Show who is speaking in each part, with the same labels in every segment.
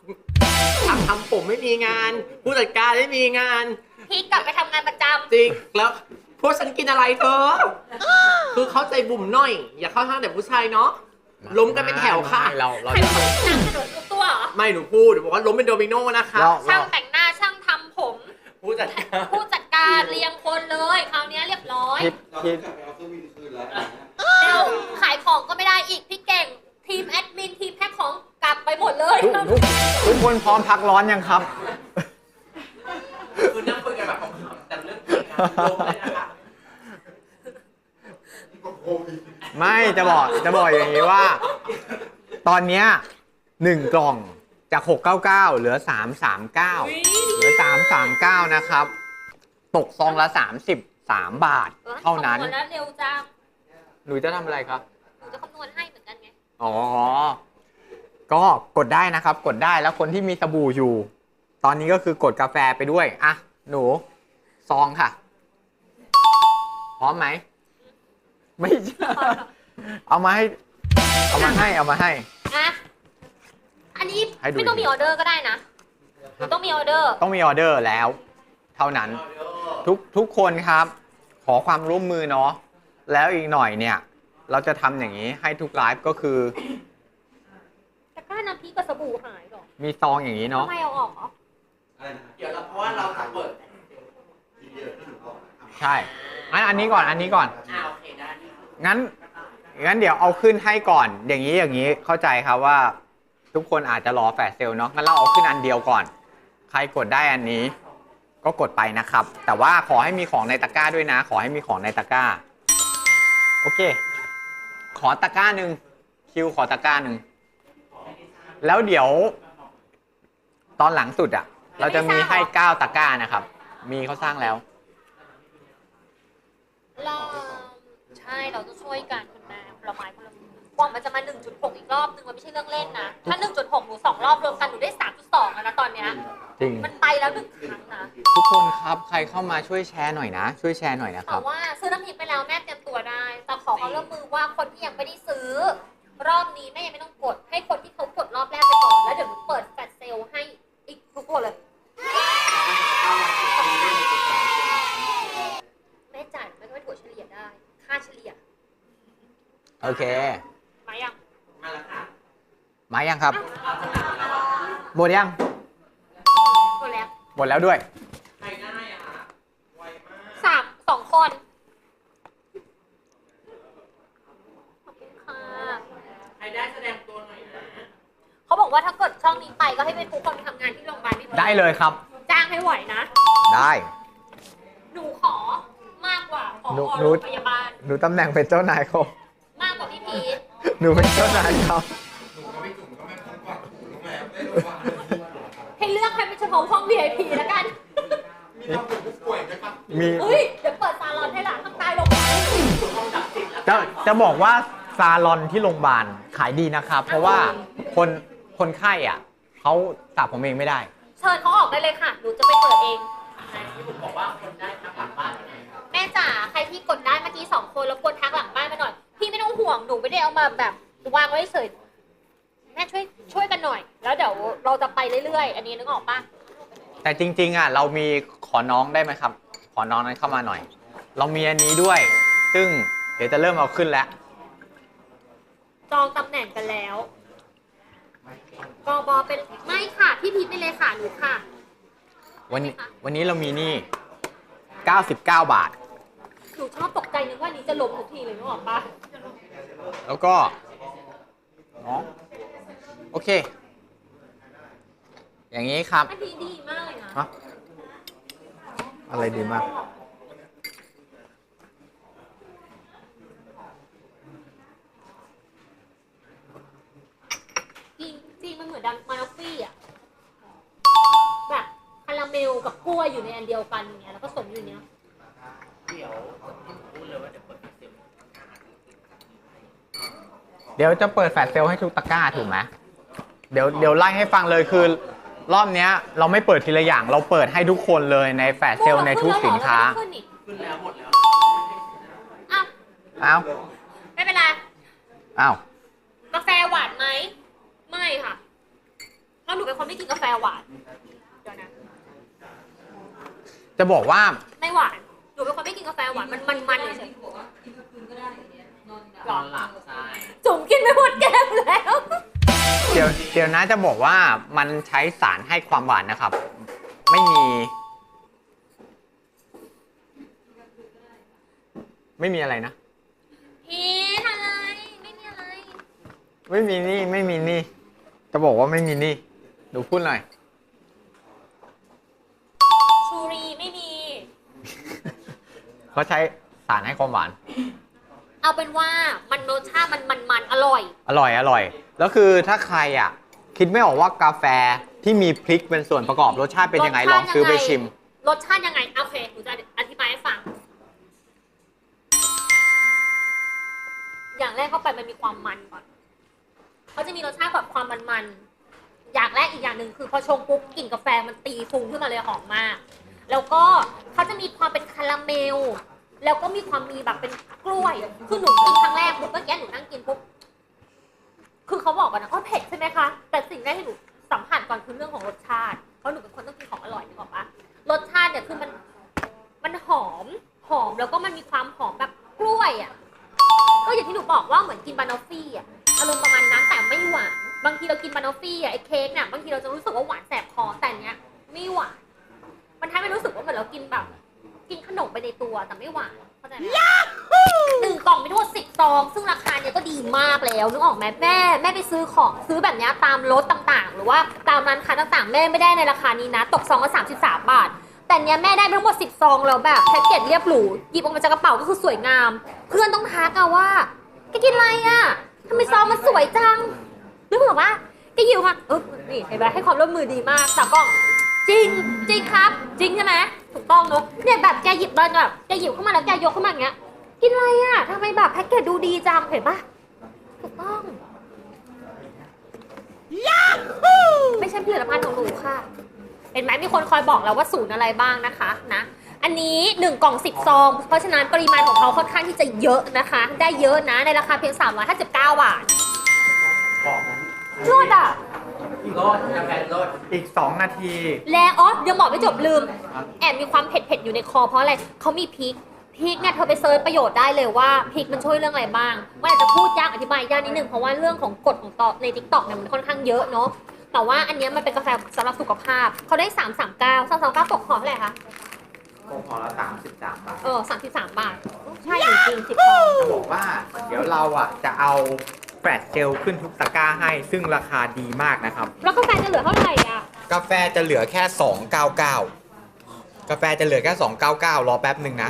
Speaker 1: ทำผมไม่มีงาน ผู้จัดการไม่มีงาน
Speaker 2: พี่กลับไปทำงานประจำ
Speaker 1: จริงแล้วพวกฉันกินอะไรเธอ คือเข้าใจบุ๋มหน่อย อย่าเข้าทางแต่ผู้ชายเนาะล้มกันเป็นแถวค่ะ
Speaker 3: เรา
Speaker 2: ใครบอกว่าช่างกระโดดทุกตัวเหรอ
Speaker 1: ไม่หนูพูดหนูบอกว่าล้มเป็นโดมิโนนะคะ
Speaker 2: ช่างแต่งหน้าช่างทำผม
Speaker 1: ผู้จัดการ
Speaker 2: ผู้จัดการเรียงคนเลยคราวนี้เรียบร้อย
Speaker 3: พี่
Speaker 2: เร็วขายของก็ไม่ได้อีกพี่เก่งทีมแอดมินทีมแพ็คของกลับไปหมดเลย
Speaker 3: ทุกคนพร้อมพักร้อนยังครับ
Speaker 1: คือนั่งคุยกันแบบของแต่เรื่องจริงอะล้มเลยนะคะ
Speaker 3: ไม่จะบอกอย่างนี้ว่า ตอนเนี้ย1 กล่องจาก 699 เหลือ 339 เหลือ 339 นะครับ ตกซองละ33 บาท เท่านั้น
Speaker 2: คำวณแล้วเร็วจัง
Speaker 3: หนูจะทำอะไรครับ
Speaker 2: หนูจะคำนวณให้เหมือนกันไง
Speaker 3: อ๋อ ก็กดได้นะครับ กดได้แล้วคนที่มีสบู่อยู่ ตอนนี้ก็คือกดกาแฟไปด้วย อ่ะ หนูซองค่ะ พร้อมไหม ไม่ใช่ เอามาให้
Speaker 2: อ่ะอันนี้
Speaker 3: ให้ดู
Speaker 2: ไม่ต้องมีออเดอร์ก็ได้นะหนูต้องมีออเดอร์
Speaker 3: ต้องมีออเดอร์แล้ว เท่านั้น ทุกคนครับ ขอความร่วมมือเนาะ แล้วอีกหน่อยเนี่ย เราจะทำอย่างนี้ให้ทุกไลฟ์ก็คือ
Speaker 2: แต่ก้าน้ำพริกกับสบู่หายหรอ
Speaker 3: มีซองอย่างนี้เนาะ
Speaker 2: ทำไมเอาออกเหรอ
Speaker 1: เดี๋ยวเราเพราะว่าเราจะเปิด
Speaker 3: ใช่งั้นอันนี้ก่อน
Speaker 1: โอเคได้
Speaker 3: งั้นเดี๋ยวเอาขึ้นให้ก่อน อย่างนี้เข้าใจครับว่า ทุกคนอาจจะรอแฟลชเซลล์เนาะ งั้นเราเอาขึ้นอันเดียวก่อน ใครกดได้อันนี้ ก็กดไปนะครับ แต่ว่าขอให้มีของในตะกร้าด้วยนะ ขอให้มีของในตะกร้า โอเค ขอตะกร้าหนึ่งคิวขอตะกร้าหนึ่งแล้วเดี๋ยวตอนหลังสุดอ่ะ เราจะมีให้9 ตะกร้านะครับ มีเขาสร้างแล้ว
Speaker 2: เราใช่เราต้องช่วยกันคุณแม่ผลไม้คนละมือกว่ามันจะมา 1.6 อีกรอบนึงมันไม่ใช่เรื่องเล่นนะ ถ้า 1.6 หนู2 รอบรวมกันหนูได้ 3.2 แล้วนะตอนเนี้ย
Speaker 3: จริง
Speaker 2: มันไปแล้ว1 ครั้งนะ
Speaker 3: ทุกคนครับ ใครเข้ามาช่วยแชร์หน่อยนะ ช่วยแชร์หน่อยนะค
Speaker 2: แต่
Speaker 3: รับ
Speaker 2: ว่าซื้อน้ำพริกไปแล้วแม่เตรียมตัวได้ แต่ขอความร่วมมือว่าคนที่ยังไม่ได้ซื้อ รอบนี้แม่ยังไม่ต้องกด ให้คนที่เขากดรอบแรกไปก่อน แล้วเดี๋ยวหนูเปิดแฟลชเซลล์ให้อีกทุกคนเลย แม่จ่ายแม่ก็ไม่ถั่วเฉลี่ยได้ ค่าเฉลี่ย
Speaker 3: โอเค
Speaker 2: มายัง
Speaker 1: มาแล้วค่ะ
Speaker 3: มายังครับ หมดยัง
Speaker 2: หมดแล้ว
Speaker 3: หมดแล้วด้วย
Speaker 1: ใครได้อะค่ะไวมาก
Speaker 2: 2 คนขอบคุณค่ะ
Speaker 1: ใครได้แสดงตัวหน่อยนะ
Speaker 2: เขาบอกว่าถ้าเกิดช่องนี้ไปก็ให้เป็นทุกคนทำงานที่โรงพยาบาลพี่
Speaker 3: ได้เลยครับ
Speaker 2: จ้างให้ไหวนะ
Speaker 3: ได้
Speaker 2: หนูขอมากกว่าขอ
Speaker 3: หนู
Speaker 2: โรงพยาบาล
Speaker 3: หนูตำแหน่งเป็นเจ้านายเขา
Speaker 2: มากกว่าพี่พีท
Speaker 3: หนูเป็นเจ้านายเขา
Speaker 2: ให้เลือกให้เป็นเฉพาะห้อง VIP แล้วกัน
Speaker 3: มี
Speaker 2: เฮ้ย เดี๋ยวเปิดซาลอนให้หลานข้างใต้โรงพยาบาล
Speaker 3: จะบอกว่าซาลอนที่โรงพยาบาลขายดีนะครับ เพราะว่าคนไข้อ่ะเขาสระผมเองไม่ได้
Speaker 2: เชิญเขาออกได้เลยค่ะ หนูจะไปเปิดเอง
Speaker 1: ที่ผมบอกว่าคนได้ทางหลังบ้านยังไง
Speaker 2: แม่จ๋าใครที่กดได้เมื่อกี้2 คนแล้วกดทักหลังบ้านมาหน่อย พี่ไม่ต้องห่วง หนูไม่ได้เอามาแบบวางไว้เฉยแม่ช่วยกันหน่อย แล้วเดี๋ยวเราจะไปเรื่อยๆ อันนี้นึกออกปะ
Speaker 3: แต่จริงๆอ่ะเรามีขอน้องได้ไหมครับ ขอน้องนั้นเข้ามาหน่อย เรามีอันนี้ด้วย ซึ่งเดี๋ยวจะเริ่มเอาขึ้นแล้ว
Speaker 2: จองตำแหน่งกันแล้วกบเป็นไม่ค่ะ พี่พีทเป็นเลยค่ะหนูค่ะ
Speaker 3: วันนี้เรามีนี่ 99 บาท
Speaker 2: หนูชอบตกใจนึกว่านี้จะล้มทุกทีเลยนึกออกปะ
Speaker 3: แล้วก็น้องโอเค อย่างนี้ครับ
Speaker 2: อันนี้ดีมากเลยนะ
Speaker 3: ฮะอะไรดีมาก
Speaker 2: จริงมันเหมือนดันมานอฟฟี่อ่ะแบบคาราเมลกับกล้วยอยู่ในอันเดียวกันอย่างเงี้ยแล้วก็สมอยู่เนี้ย
Speaker 3: เดี๋ยวจะเปิดแฟลชเซลล์ให้ทุกตะกร้าถูกไหมเดี๋ยวไล่ให้ฟังเลยคือ รอบเนี้ยเราไม่เปิดทีละอย่าง เราเปิดให้ทุกคนเลยในแฟลชเซลล์ในทุกสินค้า
Speaker 1: ขึ้นแล้วหมดแล้ว
Speaker 2: อ้าว
Speaker 3: อ้าว
Speaker 2: ไม่เป็นไร
Speaker 3: อ้าว
Speaker 2: กาแฟหวานไหมไม่ค่ะแล้วหนูเป็นคนไม่กินกาแฟหวานเดี๋ยวนะ
Speaker 3: จะบอกว่า
Speaker 2: ไม่หวานหนูเป็นคนไม่กินกาแฟหวานมันเฉย
Speaker 1: นอนหลับใช่
Speaker 2: ๆจุ๋มกินไม่หมดแก้วแล้ว
Speaker 3: เดี๋ยวนะจะบอกว่ามันใช้สารให้ความหวานนะครับ ไม่มีอะไรนะ
Speaker 2: พีทอะไรไม่มีอะไร
Speaker 3: ไม่มีนี่ จะบอกว่าไม่มีนี่ดูพูดหน่อย
Speaker 2: ชูรีไม่มี
Speaker 3: เขาใช้สารให้ความหวาน
Speaker 2: เอาเป็นว่ามันรสชาติมันอร่อย
Speaker 3: อร่อย แล้วคือถ้าใครอ่ะ คิดไม่ออกว่ากาแฟที่มีพริกเป็นส่วนประกอบรสชาติเป็นยังไงลองซื้อไปชิม
Speaker 2: รสชาติยังไงโอเคหนูจะอธิบายให้ฟัง อย่างแรกเข้าไปมันมีความมันก่อนเขาจะมีรสชาติแบบความมันๆอย่างแรกอีกอย่างหนึ่งคือพอชงปุ๊บกลิ่นกาแฟมันตีฟุ้งขึ้นมาเลยหอมมาก แล้วก็เขาจะมีความเป็นคาราเมล แล้วก็มีความมีแบบเป็นกล้วย คือหนูกินครั้งแรกปุ๊บเมื่อกี้หนูนั่งกินปุ๊บ คือเขาบอกกันนะว่าเผ็ดใช่ไหมคะ แต่สิ่งแรกที่หนูสัมผัสก่อนคือเรื่องของรสชาติ เพราะหนูเป็นคนต้องกินของอร่อยนึกออกปะรสชาติเนี่ยคือมันหอมแล้วก็มันมีความหอมแบบกล้วยอ่ะ ก็อย่างที่หนูบอกว่าเหมือนกินบานอฟฟี่อ่ะ อารมณ์ประมาณนั้นแต่ไม่หวาน บางทีเรากินบานอฟฟี่อ่ะไอ้เค้กเนี่ยบางทีเราจะรู้สึกว่าหวานแสบคอแต่เนี้ยไม่หวาน มันทำให้รู้สึกว่าเหมือนเรากินแบบกินขนมไปในตัวแต่ไม่หวานเข้าใจไหมหนึ่งกล่องมีทั้งหมด10 ซองซึ่งราคาเนี่ยก็ดีมากแล้วนึกออกไหมแม่ไปซื้อของซื้อแบบเนี้ยตามรถต่างๆ หรือว่าตามร้านค้าต่างๆแม่ไม่ได้ในราคานี้นะตกซองละ33 บาท แต่เนี้ยแม่ได้ทั้งหมด10 ซองแล้วแบบแพ็กเกจเรียบหรูหยิบออกมาจากกระเป๋าก็คือสวยงาม เพื่อนต้องทักอะว่าแกกินอะไรอะทำไมซองมันสวยจังนึกออกปะแกหิวค่ะนี่เห็นไหมให้ความร่วมมือดีมากสามกล่องจริงครับจริงใช่ไหมถูกต้องเนอะเนี่ยแบบแกหยิบมาแบบแกหยิบเข้ามาแล้วแกยกเข้ามาอย่างเงี้ยกินอะไรอะทำไมแบบแพ็กเกจดูดีจังเห็นปะถูกต้องไม่ใช่ผลิตภัณฑ์ของหนูค่ะเห็นไหมมีคนคอยบอกแล้วว่าสูตรอะไรบ้างนะคะนะอันนี้1 กล่อง 10 ซองเพราะฉะนั้นปริมาณของเขาค่อนข้างที่จะเยอะนะคะ ได้เยอะนะในราคาเพียง359 บาทรอดอ่ะ
Speaker 1: รสกาแฟรส
Speaker 3: อีก 2 นาที
Speaker 2: แล้วยังบอกไม่จบลืมแอบมีความเผ็ดๆอยู่ในคอเพราะอะไรเขามีพริกเนี่ยเธอไปเซิร์ชประโยชน์ได้เลยว่าพริกมันช่วยเรื่องอะไรบ้างมันอาจจะพูดยากอธิบายยากนิดนึงเพราะว่าเรื่องของกฎของต่อใน TikTok เนี่ยมันค่อนข้างเยอะเนาะแต่ว่าอันนี้มันเป็นกาแฟสำหรับสุขภาพเขาได้339ตกห่อเท่าไหร่คะ
Speaker 3: ห่อละ33 บาท
Speaker 2: 33 บาทใช่จริงๆ10 ซอง
Speaker 3: จะบอกว่าเดี๋ยวเราอ่ะจะเอาแฟลชเซลขึ้นทุกตะกร้าให้ซึ่งราคาดีมากนะครับ
Speaker 2: แล้วกาแฟจะเหลือเท่าไหร่อ่ะ
Speaker 3: กาแฟจะเหลือแค่ 299 กาแฟจะเหลือแค่ 299 รอแป๊บหนึ่งนะ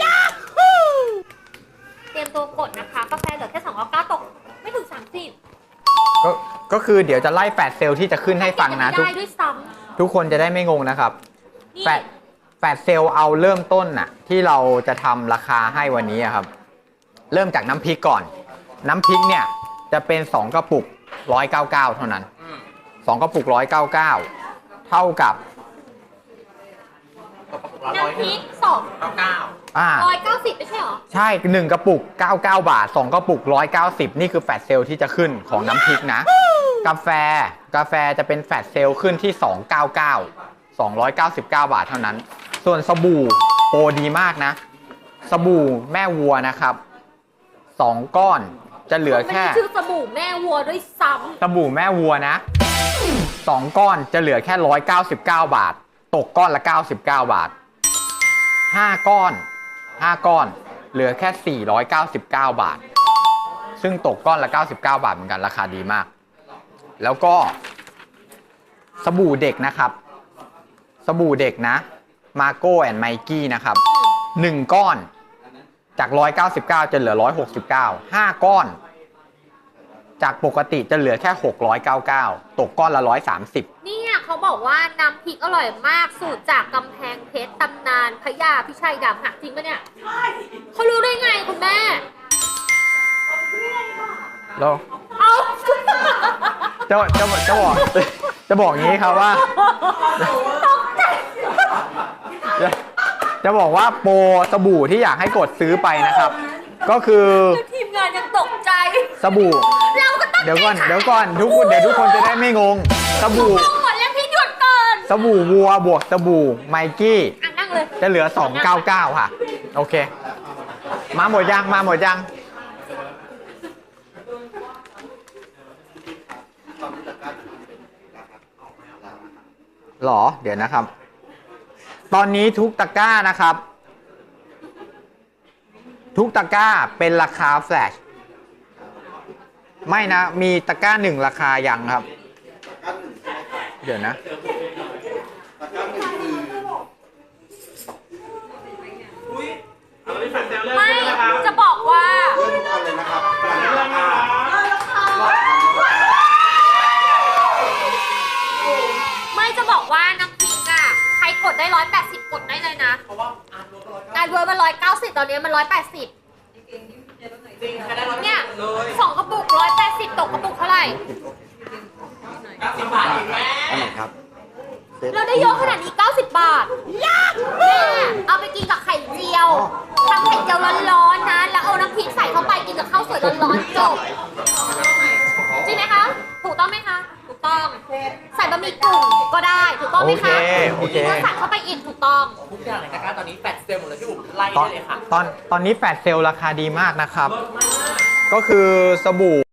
Speaker 2: เตรียมตัวกดนะคะกาแฟเหลือแค่299ตกไม่ถึง30
Speaker 3: ก็คือเดี๋ยวจะไล่แฟลชเซลที่จะขึ้นให้ฟังนะ
Speaker 2: ไม่ได้ด้วยซ้
Speaker 3: ทุกคนจะได้ไม่งงนะครับ
Speaker 2: ำนี่
Speaker 3: แฟลชเซลเอาเริ่มต้นน่ะที่เราจะทำราคาให้วันนี้อะครับ เริ่มจากน้ำพริกก่อน น้ำพริกเนี่ยจะเป็น 2 กระปุก 199 เท่านั้น 2 กระปุก 199 เท่ากับ
Speaker 2: น้ำพริก190ไม่ใช่หรอ
Speaker 3: ใช่ 1 กระปุก 99 บาท 2 กระปุก 190 นี่คือแฟลชเซลที่จะขึ้นของน้ำพริกนะ กาแฟจะเป็นแฟลชเซลขึ้นที่ 299 บาทเท่านั้น ส่วนสบู่โปรดีมากนะ สบู่แม่วัวนะครับ 2 ก้อนจะเหลือแค่
Speaker 2: มันชื่อสบู่แม่วัวด้วยซ้
Speaker 3: สบู่แม่วัวนะ 2 ก้อนจะเหลือแค่199 บาท ตกก้อนละ99 บาท 5 ก้อนเหลือแค่ 499 บาท ซึ่งตกก้อนละ99 บาทเหมือนกันราคาดีมาก แล้วก็สบู่เด็กนะครับ สบู่เด็กนะมาโก้แอนด์ไมกี้นะครับ 1 ก้อนจาก199จะเหลือ169 5 ก้อน จากปกติจะเหลือแค่699ตกก้อนละ130
Speaker 2: ำเนี่ยเขาบอกว่าน้ำพริกอร่อยมากสูตรจากกำแพงเพชรตำนานพญาพิชัยดำหักจริงปะเนี่ยเขารู้ได้ไงคุณแม่
Speaker 3: แล้ว
Speaker 2: เอา
Speaker 3: จะบอกงี้ครับว่า จะบอกว่าโปรสบู่ที่อยากให้กดซื้อไปนะครับ ก็คือ
Speaker 2: ทีมงานยังตกใจ
Speaker 3: สบู่
Speaker 2: เราก็ตั้งใจ
Speaker 3: เดี๋ยวก่อนทุกคนจะได้ไม่งง
Speaker 2: เ
Speaker 3: สบู่
Speaker 2: ต้องหมดแล้วพี่หยุดก่อน
Speaker 3: สบู่วัวบวกสบู่ไมกี้
Speaker 2: อ่ะนั่งเลย
Speaker 3: จะเหลือ 299 ค่ะ โอเค มาหมดยัง มาหมดยัง หรอ เดี๋ยวนะครับ ตอนนี้ทุกตะกร้านะครับ ทุกตะกร้าเป็นราคาแฟลช ไม่นะ มีตะกร้าหนึ่งราคายังครับ เดี๋ยวนะ
Speaker 2: ไม่จะบอกว่า
Speaker 4: เริ่มก่อนเลยนะครับก่อนเลยนะครับ
Speaker 2: ไม่จะบอกว่าน้ำพริกอะใครกดได้180กดได้เลยนะ
Speaker 1: เพราะว่าอาร์ตรถ
Speaker 2: งานเวิร์ดมัน190ตอนนี้มัน180
Speaker 1: จริงแค่ได้ร้อย
Speaker 2: เนี่ย
Speaker 1: เลย
Speaker 2: 2 กระปุก180ตกกระปุกเท่าไหร่
Speaker 1: 90 บาทเองแม่
Speaker 4: อันไหนครับ
Speaker 2: เราได้เยอะขนาดนี้90 บาทแม่เอาไปกินกับไข่เจียวทำไข่เจียวร้อนๆนะ แล้วเอาน้ำพริกใส่เข้าไปกินกับข้าวสวยร้อนๆจบจริงไหมคะ ถูกต้องไหมคะ ถูกต้อง ใส่บะหมี่กึ่งก็ได้ ถูกต้องไหมคะ
Speaker 3: โอเค
Speaker 2: เมื่อสั่งเข้าไปอีกถูกต้อง
Speaker 1: ทุกอย่างในตะกร้าตอนนี้แฟลชเซลล์หมดเลยพี่บุ๋มไล่
Speaker 3: ตอน
Speaker 1: ได้เลยค่ะ
Speaker 3: ตอนนี้แฟลชเซลล์ราคาดีมากนะครับ ก็คือสบู่